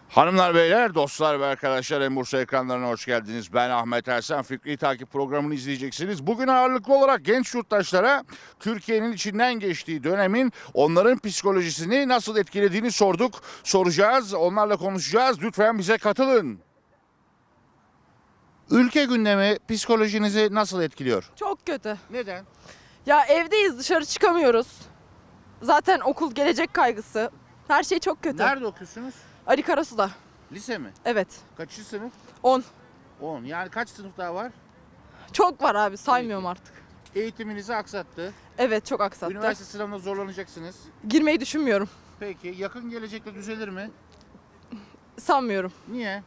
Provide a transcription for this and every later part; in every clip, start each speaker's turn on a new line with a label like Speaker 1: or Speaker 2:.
Speaker 1: Hanımlar, beyler, dostlar ve arkadaşlar, En Bursa ekranlarına hoş geldiniz. Ben Ahmet Ersen. Fikri Takip programını izleyeceksiniz. Bugün ağırlıklı olarak genç yurttaşlara Türkiye'nin içinden geçtiği dönemin onların psikolojisini nasıl etkilediğini sorduk. Soracağız, onlarla konuşacağız. Lütfen bize katılın. Ülke gündemi psikolojinizi nasıl etkiliyor?
Speaker 2: Çok kötü.
Speaker 1: Neden?
Speaker 2: Ya evdeyiz, dışarı çıkamıyoruz. Zaten okul, gelecek kaygısı. Her şey çok kötü.
Speaker 1: Nerede okuyorsunuz?
Speaker 2: Ali Karasu'da.
Speaker 1: Lise mi?
Speaker 2: Evet.
Speaker 1: Kaçıncı sınıf?
Speaker 2: 10.
Speaker 1: 10. Yani kaç sınıf daha var?
Speaker 2: Çok var abi, saymıyorum artık.
Speaker 1: Eğitiminizi aksattı.
Speaker 2: Evet, çok aksattı.
Speaker 1: Üniversite sınavına zorlanacaksınız.
Speaker 2: Girmeyi düşünmüyorum.
Speaker 1: Peki yakın gelecekte düzelir mi?
Speaker 2: Sanmıyorum.
Speaker 1: Niye?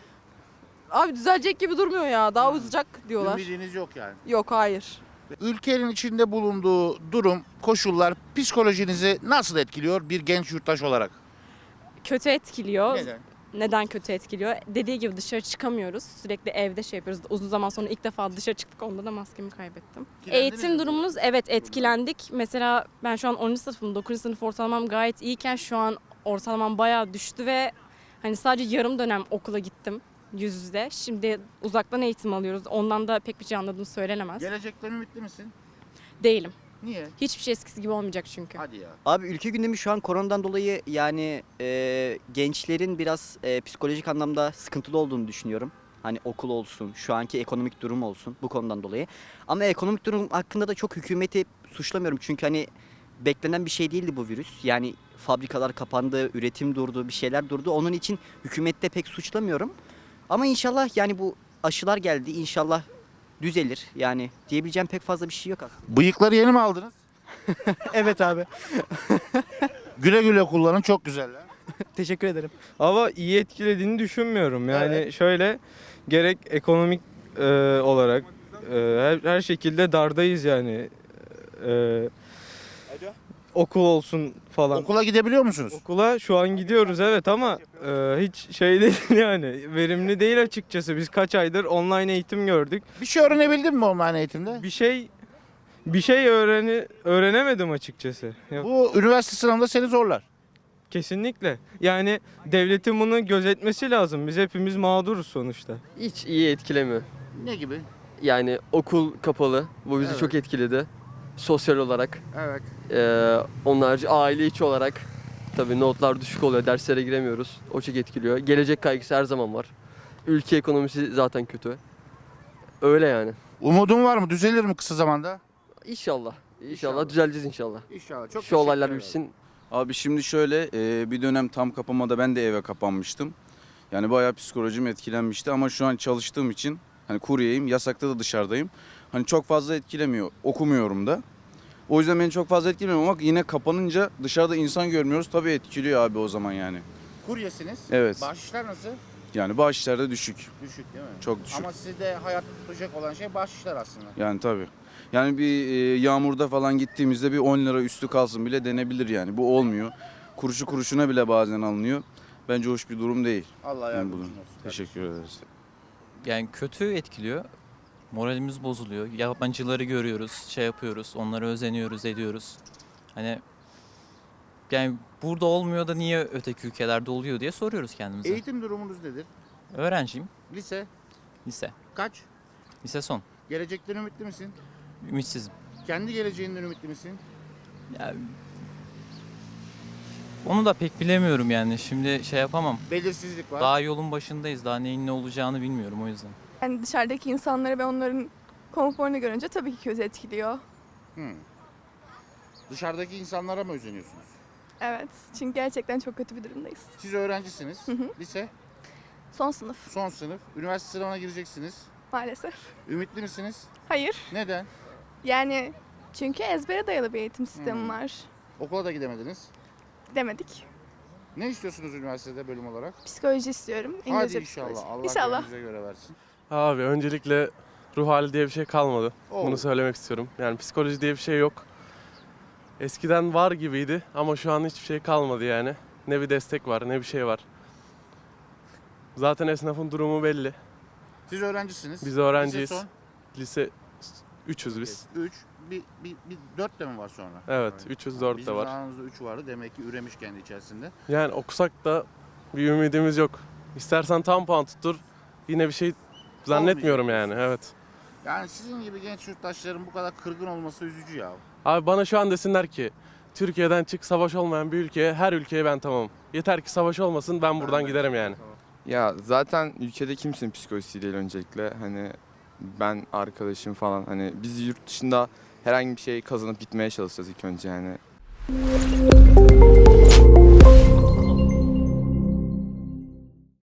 Speaker 2: Abi düzelecek gibi durmuyor ya. Daha uzayacak diyorlar.
Speaker 1: Ümidiniz yok yani.
Speaker 2: Yok, hayır.
Speaker 1: Ülkenin içinde bulunduğu durum, koşullar psikolojinizi nasıl etkiliyor bir genç yurttaş olarak?
Speaker 3: Kötü etkiliyor.
Speaker 1: Neden?
Speaker 3: Neden kötü etkiliyor? Dediği gibi dışarı çıkamıyoruz. Sürekli evde şey yapıyoruz. Uzun zaman sonra ilk defa dışarı çıktık. Onda da maskemi kaybettim.
Speaker 1: Etkilendiniz mi?
Speaker 3: Eğitim durumunuz evet etkilendik. Mesela ben şu an 10. sınıfım. 9. sınıf ortalamam gayet iyiyken şu an ortalamam bayağı düştü ve hani sadece yarım dönem okula gittim yüz yüze. Şimdi uzaktan eğitim alıyoruz. Ondan da pek bir şey anladığım söylenemez.
Speaker 1: Gelecekten ümitli misin?
Speaker 3: Değilim.
Speaker 1: Niye?
Speaker 3: Hiçbir şey eskisi gibi olmayacak çünkü.
Speaker 1: Hadi ya.
Speaker 4: Abi ülke gündemi şu an koronadan dolayı yani gençlerin biraz psikolojik anlamda sıkıntılı olduğunu düşünüyorum. Hani okul olsun, şu anki ekonomik durum olsun bu konudan dolayı. Ama ekonomik durum hakkında da çok hükümeti suçlamıyorum. Çünkü hani beklenen bir şey değildi bu virüs. Yani fabrikalar kapandı, üretim durdu, bir şeyler durdu. Onun için hükümette pek suçlamıyorum. Ama inşallah yani bu aşılar geldi. İnşallah düzelir. Yani diyebileceğim pek fazla bir şey yok aslında.
Speaker 1: Bıyıkları yeni mi aldınız?
Speaker 4: Evet abi.
Speaker 1: Güle güle kullanın, çok güzeller.
Speaker 4: Teşekkür ederim.
Speaker 5: Ama iyi etkilediğini düşünmüyorum. Yani
Speaker 1: Evet.
Speaker 5: şöyle gerek ekonomik olarak her şekilde dardayız yani. E, okul olsun falan.
Speaker 1: Okula gidebiliyor musunuz?
Speaker 5: Okula şu an gidiyoruz evet ama hiç şey değil yani verimli değil açıkçası. Biz kaç aydır online eğitim gördük.
Speaker 1: Bir şey öğrenebildin mi online eğitimde?
Speaker 5: Bir şey öğrenemedim açıkçası. Yok.
Speaker 1: Bu üniversite sınavında seni zorlar.
Speaker 5: Kesinlikle. Yani devletin bunu gözetmesi lazım. Biz hepimiz mağduruz sonuçta.
Speaker 6: Hiç iyi etkilemiyor.
Speaker 1: Ne gibi?
Speaker 6: Yani okul kapalı. Bu bizi
Speaker 1: Evet.
Speaker 6: çok etkiledi. Sosyal olarak.
Speaker 1: Evet.
Speaker 6: Onun harici aile içi olarak. Tabii notlar düşük oluyor. Derslere giremiyoruz. O çok etkiliyor. Gelecek kaygısı her zaman var. Ülke ekonomisi zaten kötü. Öyle yani.
Speaker 1: Umudun var mı? Düzelir mi kısa zamanda?
Speaker 6: İnşallah.
Speaker 1: İnşallah.
Speaker 6: İnşallah düzeleceğiz inşallah.
Speaker 1: İnşallah. Çok
Speaker 6: Şu olaylar
Speaker 1: teşekkür ederim.
Speaker 6: bitsin.
Speaker 7: Abi şimdi şöyle bir dönem tam kapamada ben de eve kapanmıştım. Yani bayağı psikolojim etkilenmişti ama şu an çalıştığım için hani kuryeyim, yasakta da dışarıdayım. Hani çok fazla etkilemiyor, okumuyorum da. O yüzden beni çok fazla etkilemiyor ama yine kapanınca dışarıda insan görmüyoruz. Tabii etkiliyor abi o zaman yani.
Speaker 1: Kuryesiniz.
Speaker 7: Evet.
Speaker 1: Bahşişler nasıl?
Speaker 7: Yani bağışlarda düşük,
Speaker 1: Düşük değil mi?
Speaker 7: çok düşük.
Speaker 1: Ama sizde hayatta tutacak olan şey bahşişler aslında.
Speaker 7: Yani tabii. Yani bir yağmurda falan gittiğimizde bir 10 lira üstü kalsın bile denebilir yani. Bu olmuyor. Kuruşu kuruşuna bile bazen alınıyor. Bence hoş bir durum değil.
Speaker 1: Allah
Speaker 7: Yani
Speaker 1: yardımcın
Speaker 7: bunun.
Speaker 1: olsun.
Speaker 7: Teşekkür ederiz.
Speaker 8: Yani kötü etkiliyor. Moralimiz bozuluyor. Yabancıları görüyoruz, şey yapıyoruz, onlara özeniyoruz, ediyoruz. Hani yani burada olmuyor da niye öteki ülkelerde oluyor diye soruyoruz kendimize.
Speaker 1: Eğitim durumunuz nedir?
Speaker 8: Öğrenciyim,
Speaker 1: Lise
Speaker 8: lise.
Speaker 1: kaç?
Speaker 8: Lise son.
Speaker 1: Gelecekten ümitli misin?
Speaker 8: Ümitsizim.
Speaker 1: Kendi geleceğinden ümitli misin?
Speaker 8: Yani, onu da pek bilemiyorum yani. Şimdi şey yapamam.
Speaker 1: Belirsizlik var.
Speaker 8: Daha yolun başındayız. Daha neyin ne olacağını bilmiyorum o yüzden.
Speaker 9: Yani dışarıdaki insanları ve onların konforunu görünce tabii ki kötü etkiliyor.
Speaker 1: Hmm. Dışarıdaki insanlara mı özeniyorsunuz?
Speaker 9: Evet. Çünkü gerçekten çok kötü bir durumdayız.
Speaker 1: Siz öğrencisiniz.
Speaker 9: hı.
Speaker 1: Lise
Speaker 9: Son sınıf
Speaker 1: son sınıf. Üniversite sınavına gireceksiniz.
Speaker 9: maalesef.
Speaker 1: Ümitli misiniz?
Speaker 9: Hayır.
Speaker 1: Neden?
Speaker 9: Yani çünkü ezbere dayalı bir eğitim sistemi var.
Speaker 1: Okula da gidemediniz.
Speaker 9: Demedik.
Speaker 1: Ne istiyorsunuz üniversitede bölüm olarak?
Speaker 9: Psikoloji istiyorum.
Speaker 1: Hadi
Speaker 9: İngilizce
Speaker 1: inşallah.
Speaker 9: psikoloji.
Speaker 1: Allah
Speaker 9: İnşallah.
Speaker 1: gönlünüze göre versin.
Speaker 5: Abi öncelikle ruh hali diye bir şey kalmadı.
Speaker 1: Oo.
Speaker 5: Bunu söylemek istiyorum. Yani psikoloji diye bir şey yok. Eskiden var gibiydi ama şu an hiçbir şey kalmadı yani. Ne bir destek var ne bir şey var. Zaten esnafın durumu belli.
Speaker 1: Siz öğrencisiniz.
Speaker 5: Biz öğrenciyiz.
Speaker 1: Lise son.
Speaker 5: Lise 300 biz.
Speaker 1: 3. Bir 4 de mi var sonra?
Speaker 5: Evet 304 de
Speaker 1: Bizim
Speaker 5: var.
Speaker 1: zamanımızda 3 vardı. Demek ki üremiş kendi içerisinde.
Speaker 5: Yani okusak da Bir ümidimiz yok. İstersen tam puan tuttur. Yine bir şey zannetmiyorum yani. Evet.
Speaker 1: Yani sizin gibi genç yurttaşların bu kadar kırgın olması üzücü ya.
Speaker 5: Abi bana şu an desinler ki Türkiye'den çık, savaş olmayan bir ülkeye, her ülkeye ben tamamım. Yeter ki savaş olmasın, ben buradan giderim yani.
Speaker 10: Ya zaten ülkede kimsenin psikolojisi değil öncelikle. Hani ben, arkadaşım falan, hani biz yurt dışında herhangi bir şey kazanıp gitmeye çalışacağız ilk önce yani.